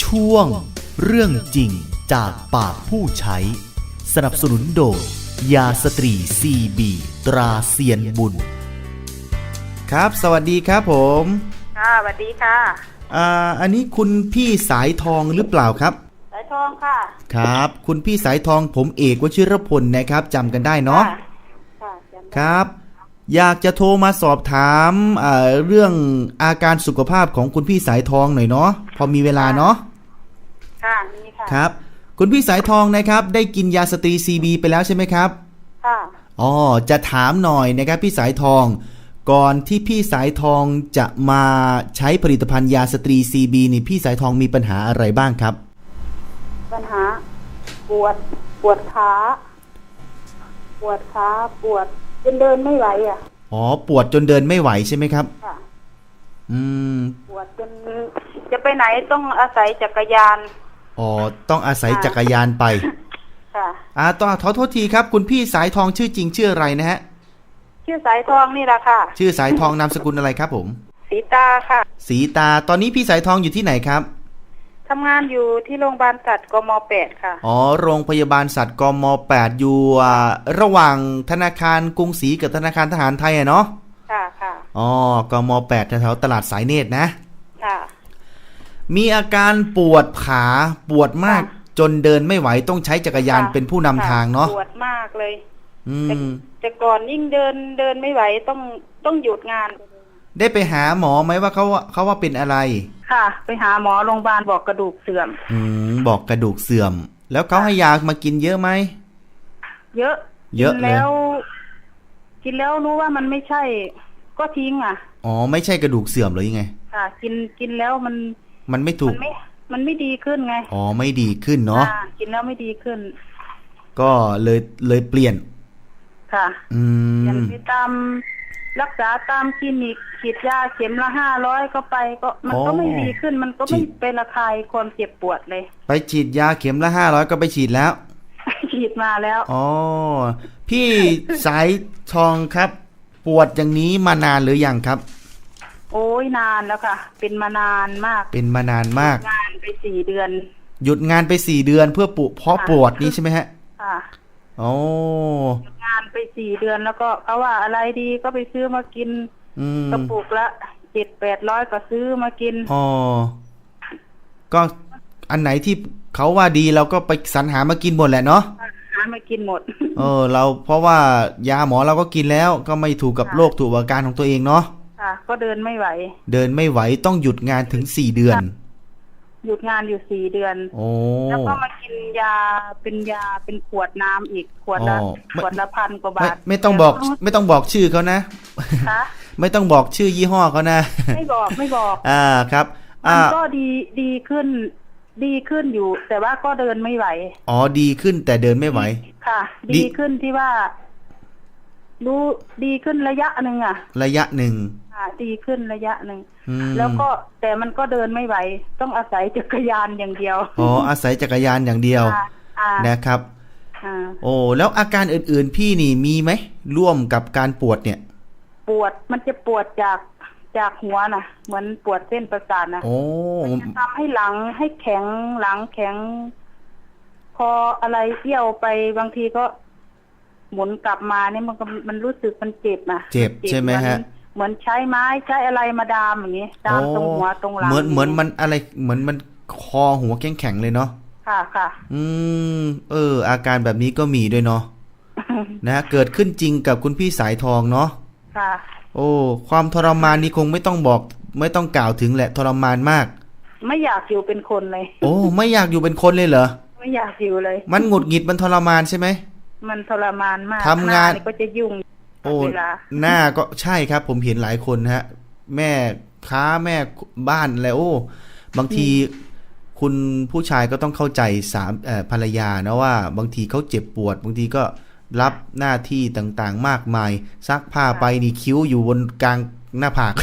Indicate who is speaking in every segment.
Speaker 1: ช่วงเรื่องจริงจากปากผู้ใช้สนับสนุนโดยยาสตรีซีบีตราเซียนบุญครับสวัสดีครับผม
Speaker 2: ค่ะสวัสดีค่ะ
Speaker 1: อันนี้คุณพี่สายทองหรือเปล่าครับ
Speaker 2: สายทองค่ะ
Speaker 1: ครับคุณพี่สายทองผมเอกวชิรพลนะครับจำกันได้เนาะ
Speaker 2: ค่ะจำได้
Speaker 1: ครับอยากจะโทรมาสอบถามเรื่องอาการสุขภาพของคุณพี่สายทองหน่อยเนาะพอมีเวลาเนาะ
Speaker 2: ค่ะมีค่ะ
Speaker 1: ครับคุณพี่สายทองนะครับได้กินยาสตรีซีบีไปแล้วใช่ไหมครับ
Speaker 2: ค่ะ
Speaker 1: อ๋อจะถามหน่อยนะครับพี่สายทองก่อนที่พี่สายทองจะมาใช้ผลิตภัณฑ์ยาสตรีซีบีนี่พี่สายทองมีปัญหาอะไรบ้างครับ
Speaker 2: ปัญหาปวดขาปวดจนเดินไม่ไหว
Speaker 1: อ๋อปวดจนเดินไม่ไหวใช่ไหมครับ
Speaker 2: ค่ะปวดจนจะไปไหนต้องอาศัยจักรยาน
Speaker 1: อ๋อต้องอาศัยจักรยานไป
Speaker 2: ค่ะ
Speaker 1: ต้องขอโทษทีครับคุณพี่สายทองชื่อจริงชื่ออะไรนะฮะ
Speaker 2: ชื่อสายทองนี่แหละค่ะ
Speaker 1: ชื่อสายทองนามสกุลอะไรครับผม
Speaker 2: ศรีตาค่ะ
Speaker 1: ศรีตาตอนนี้พี่สายทองอยู่ที่ไหนครับ
Speaker 2: ทำงานอยู่ที่โรงพยาบาลสัตว์กม.8 ค่ะ
Speaker 1: อ๋อโรงพยาบาลสัตว์กม.8 อยู่ระหว่างธนาคารกรุงศรีกับธนาคารทหารไทยเนาะ
Speaker 2: ค่ะค่ะ
Speaker 1: อ๋อกม.8 แถวๆตลาดสายเนตรนะ
Speaker 2: ค่ะ
Speaker 1: มีอาการปวดขาปวดมากจนเดินไม่ไหวต้องใช้จักรยานเป็นผู้นำทางเนาะ
Speaker 2: ปวดมากเลยแต่ก่อนยิ่งเดินไม่ไหวต้องหยุดงาน
Speaker 1: ได้ไปหาหมอไหมว่าเขาว่าเป็นอะไร
Speaker 2: ค่ะไปหาหมอโรงพยาบาลบอกกระดูกเสื่อม
Speaker 1: บอกกระดูกเสื่อมแล้วเขาให้ยามากินเยอะไหม
Speaker 2: เยอะแล้วกินแล้วรู้ว่ามันไม่ใช่ก็ทิ้ง
Speaker 1: อ๋อไม่ใช่กระดูกเสื่อมหรือยังไง
Speaker 2: ค่ะกินแล้ว
Speaker 1: มันไม่ถูก
Speaker 2: มันไม่ดีขึ้นไง
Speaker 1: อ๋อไม่ดีขึ้นเนาะ
Speaker 2: กินแล้วไม่ดีขึ้น
Speaker 1: ก็เลยเปลี่ยน
Speaker 2: ค่ะอย่างที่ตามรักษาตามคลินิกฉีดยาเข็มละ500ก็ไปก็มันก็ไม่ดีขึ้นมันก็ไม่เป็นระคายความเจ็บปวดเลย
Speaker 1: ไปฉีดยาเข็มละ500ก็ไปฉีดแล้ว
Speaker 2: ฉีดมาแล้ว
Speaker 1: อ๋อพี่สายทองครับปวดอย่างนี้มานานหรือยังครับ
Speaker 2: โอ้ยนานแล้วค่ะเป็นมานานมาก
Speaker 1: เป็นมานานมาก
Speaker 2: งานไป4 เดือน
Speaker 1: หยุดงานไป4 เดือนเพื่อเพราะปวดนี้ใช่ไหมฮะ
Speaker 2: ค่ะ
Speaker 1: โอ้
Speaker 2: หยุดงานไป4 เดือนแล้วก็เขาว่าอะไรดีก็ไปซื้อมากินกระปุกละ700-800ก็ซื้อมากิน
Speaker 1: อ๋อก็อันไหนที่เขาว่าดีเราก็ไปสรรหามากินหมดแหละเนาะ
Speaker 2: หามากินหมด
Speaker 1: เราเพราะว่ายาหมอเราก็กินแล้วก็ไม่ถูกกับโรคถูกอาการของตัวเองเนาะ
Speaker 2: ค่ะก็เดินไม่ไหว
Speaker 1: ต้องหยุดงานถึง4 เดือน
Speaker 2: หยุดงานอยู่4 เดือนแล้วก็มากินยาเป็นขวดน้ำอีกขวดละ1,000 กว่าบาท
Speaker 1: ไม่ต้องบอกชื่อเขานะไม่ต้องบอกชื่อยี่ห้อเขานะ
Speaker 2: ไม่บอก
Speaker 1: ครับ
Speaker 2: มันก็ดีขึ้นอยู่แต่ว่าก็เดินไม่ไหว
Speaker 1: อ๋อดีขึ้นแต่เดินไม่ไหว
Speaker 2: ค่ะดีขึ้นที่ว่ารู้ดีขึ้นระยะหนึ่ง
Speaker 1: ระยะหนึ่ง
Speaker 2: ดีขึ้นระยะหนึ่งแล้วก็แต่มันก็เดินไม่ไหวต้องอาศัยจักรยานอย่างเดียว
Speaker 1: อ๋ออาศัยจักรยานอย่างเดียวนะครับโอ้แล้วอาการอื่นๆพี่นี่มีไหมร่วมกับการปวดเนี่ย
Speaker 2: ปวดมันจะปวดจากหัวน่ะเหมือนปวดเส้นประสาทนะมันจะทำให้หลังให้แข็งหลังแข็งพออะไรเที่ยวไปบางทีก็หมุนกลับมาเนี่ยมันรู้สึกมันเจ็บ
Speaker 1: เจ็บใช่ไหมฮะ
Speaker 2: เหมือนใช้ไม้ใช้อะไรมาดามอย่างนี้ดามตรงหัวตรงหลัง
Speaker 1: เหมือนมันอะไรเหมือนมันคอหัวแข็งเลยเนาะ
Speaker 2: ค่ะ
Speaker 1: อาการแบบนี้ก็มีด้วยเนาะนะเกิดขึ้นจริงกับคุณพี่สายทองเนาะ
Speaker 2: ค่ะ
Speaker 1: โอ้ความทรมานนี้คงไม่ต้องกล่าวถึงแหละทรมานมาก
Speaker 2: ไม่อยากอยู่เป็นคนเลย
Speaker 1: โอ้ไม่อยากอยู่เป็นคนเลยเหรอ
Speaker 2: ไม่อยากอยู่เลย
Speaker 1: มันหงุดหงิดมันทรมานใช่ไหม
Speaker 2: มันทรมานมาก
Speaker 1: ทำงาน
Speaker 2: ก็จะยุ่ง
Speaker 1: เวลาหน้าก็ใช่ครับผมเห็นหลายคนฮะแม่ค้าแม่บ้านแล้วบางทีคุณผู้ชายก็ต้องเข้าใจภรรยานะว่าบางทีเขาเจ็บปวดบางทีก็รับหน้าที่ต่างๆมากมายซักผ้าไปนี่คิ้วอยู่บนกลางหน้าผาก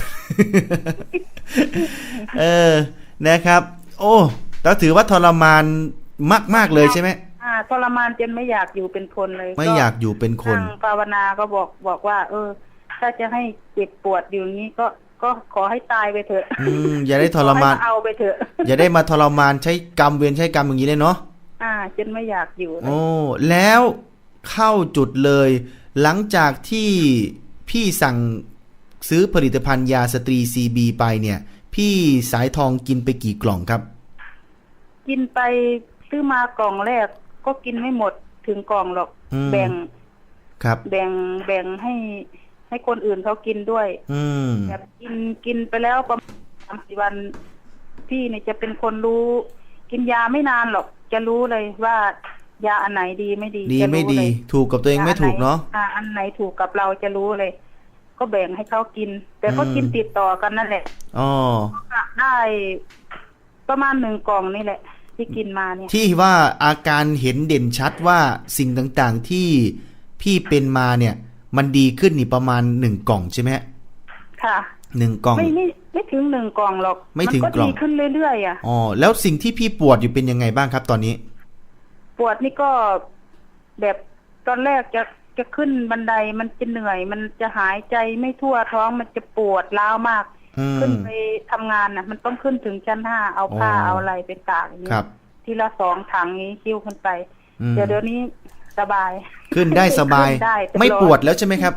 Speaker 1: นะครับโอ้แต่ถือว่าทรมานมากๆเลยใช่ไหม
Speaker 2: ทรมานจนไม่อยากอยู่เป็นคนเลย
Speaker 1: ไม่อยากอยู่เป็นคน
Speaker 2: ภาวนาก็บอกว่าถ้าจะให้เจ็บปวดอยู่นี้ก็ก็ขอให้ตายไปเถอะ
Speaker 1: อย่าได้ทรมาน
Speaker 2: เอาไปเถอะ
Speaker 1: อย่าได้มาทรมานใช้กรรมเวรใช้กรรมอย่างนี้เลยเนาะ
Speaker 2: จนไม่อยากอยู่
Speaker 1: โอ้แล้วเข้าจุดเลยหลังจากที่พี่สั่งซื้อผลิตภัณฑ์ยาสตรี CB ไปเนี่ยพี่สายทองกินไปกี่กล่องครับ
Speaker 2: กินไปซื้อมากล่องแรกก็กินไม่หมดถึงกล่องหรอกแบ่ง
Speaker 1: ครับ
Speaker 2: แบ่งให้คนอื่นเขากินด้วยแบบกินไปแล้วประมาณ3-4 วันพี่เนี่ยจะเป็นคนรู้กินยาไม่นานหรอกจะรู้เลยว่ายาอันไหนดีไม่ดี
Speaker 1: ดีไม่ดีถูกกับตัวเองไม่ถูกเนาะ
Speaker 2: อันไหนถูกกับเราจะรู้เลยก็แบ่งให้เขากินแต่ก็กินติดต่อกันนั่นแหละได้ประมาณ1 กล่องนี่แหละที่กินมาเนี่ย
Speaker 1: ที่ว่าอาการเห็นเด่นชัดว่าสิ่งต่างๆที่พี่เป็นมาเนี่ยมันดีขึ้นนี่ประมาณ1 กล่องใช่ไหม
Speaker 2: ค่ะ
Speaker 1: 1 กล่อง
Speaker 2: ไม่ถึง1 กล่องหรอก
Speaker 1: ไม่ถึงกล่อง
Speaker 2: ดีขึ้นเรื่อยๆ
Speaker 1: แล้วสิ่งที่พี่ปวดอยู่เป็นยังไงบ้างครับตอนนี้
Speaker 2: ปวดนี่ก็แบบตอนแรกจะขึ้นบันไดมันจะเหนื่อยมันจะหายใจไม่ทั่วท้องมันจะปวดร้าวมากขึ้นไปทำงานน่ะมันต้องขึ้นถึงชั้น5เอาผ้าเอาอะไรไปตากอย่างนี้ทีละ2 ถังนี้คิ้วขึ้นไปเดี๋ยวนี้สบาย
Speaker 1: ขึ้นได้สบายไม่ปวดแล้วใช่ไหมครับ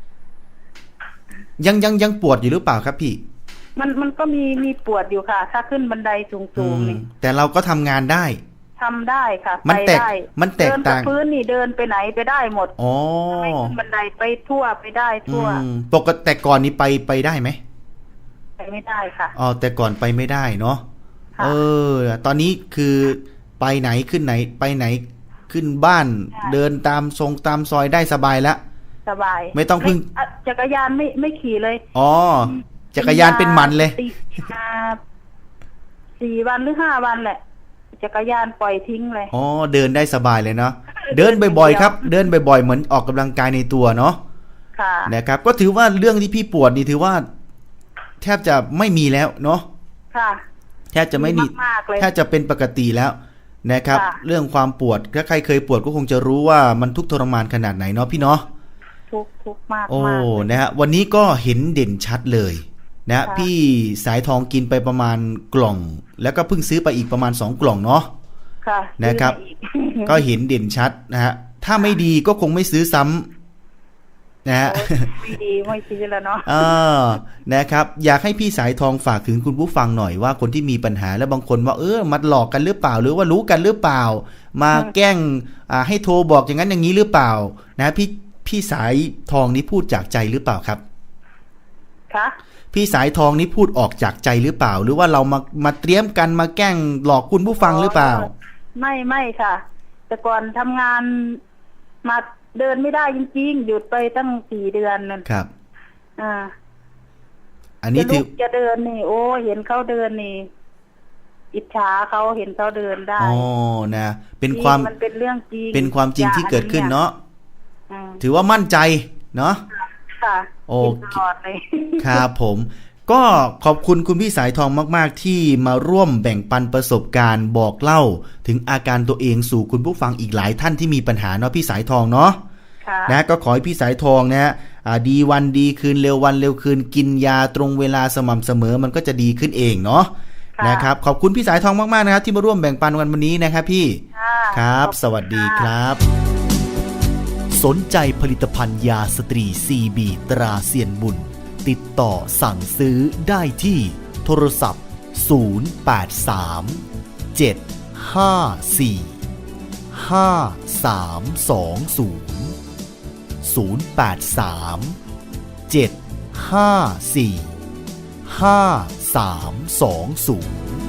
Speaker 1: ยังปวดอยู่หรือเปล่าครับพี่
Speaker 2: มันก็มีปวดอยู่ค่ะถ้าขึ้นบันไดสูงๆนี่
Speaker 1: แต่เราก็ทำงานได้
Speaker 2: ทำได้ค่ะ
Speaker 1: ไปได้มันแตกต่าง
Speaker 2: พื้นนี่เดินไปไหนไปได้หมดไม่ขึ้นบันไดไปทั่วไปได้ทั่ว
Speaker 1: ปกติแต่ก่อนนี้ไปได้ไหม
Speaker 2: ไปไม่ได้ค่ะ
Speaker 1: แต่ก่อนไปไม่ได้เนาะตอนนี้คือไปไหนขึ้นไหนไปไหนขึ้นบ้านเดินตามซอยได้สบายแล้ว
Speaker 2: สบาย
Speaker 1: ไม่ต้องพึ่ง
Speaker 2: จักรยานไม่ขี่เลย
Speaker 1: จักรยานเป็นมันเลย
Speaker 2: 4 วันหรือ5 วันแหละจักรยานปล่อยทิ้งเลย
Speaker 1: เดินได้สบายเลยเนาะเดินบ่อยๆครับเดินบ่อยๆเหมือนออกกำลังกายในตัวเนาะ
Speaker 2: ค่ะ
Speaker 1: นะครับก็ถือว่าเรื่องที่พี่ปวดนี่ถือว่าแทบจะไม่มีแล้วเนาะ
Speaker 2: ค่ะ
Speaker 1: แทบจะไม่มีแทบจะเป็นปกติแล้วนะครับเรื่องความปวดถ้าใครเคยปวดก็คงจะรู้ว่ามันทุกข์ทรมานขนาดไหนเนาะพี่เนาะ
Speaker 2: ทุกข์มาก
Speaker 1: นะฮะวันนี้ก็เห็นเด่นชัดเลยนะพี่สายทองกินไปประมาณกล่องแล้วก็เพิ่งซื้อไปอีกประมาณ2 กล่องเนาะนะครับก็เห็นเด่นชัดนะฮะถ้าไม่ดีก็คงไม่ซื้อซ้ำนะฮะ
Speaker 2: ไม่ดีไม่ซื้อแล้วเนาะ
Speaker 1: นะครับอยากให้พี่สายทองฝากถึงคุณผู้ฟังหน่อยว่าคนที่มีปัญหาและบางคนว่ามาหลอกกันหรือเปล่าหรือว่ารู้กันหรือเปล่ามาแกล้งให้โทรบอกอย่างนั้นอย่างนี้หรือเปล่านะพี่สายทองนี้พูดจากใจหรือเปล่าครับ
Speaker 2: คะ
Speaker 1: พี่สายทองนี้พูดออกจากใจหรือเปล่าหรือว่าเรามาเตรียมกันมาแกล้งหลอกคุณผู้ฟังหรือเปล่า
Speaker 2: ไม่ค่ะแต่ก่อนทำงานมาเดินไม่ได้จริงๆหยุดไปตั้ง4 เดือนนั่น
Speaker 1: ครับ
Speaker 2: อันนี้จะเดินนี่เห็นเขาเดินนี่อิจฉาเขาเห็นเขาเดินได้
Speaker 1: นะเป็นความ
Speaker 2: มันเป็นเรื่องจริง
Speaker 1: เป็นความจริงที่เกิดขึ้นเนาะถือว่ามั่นใจเนาะ
Speaker 2: ค่ะ
Speaker 1: โอเคครับผมก็ขอบคุณคุณพี่สายทองมากๆที่มาร่วมแบ่งปันประสบการณ์บอกเล่าถึงอาการตัวเองสู่คุณผู้ฟังอีกหลายท่านที่มีปัญหาเนาะพี่สายทองเนาะนะก็ขอให้พี่สายทองนะดีวันดีคืนเร็ววันเร็วคืนกินยาตรงเวลาสม่ำเสมอมันก็จะดีขึ้นเองเนาะนะครับขอบคุณพี่สายทองมากๆนะครับที่มาร่วมแบ่งปันวันนี้นะครับพี่ครับสวัสดีครับสนใจผลิตภัณฑ์ยาสตรี CB ตราเซียนบุญติดต่อสั่งซื้อได้ที่โทรศัพท์083-754-5320 083-754-5320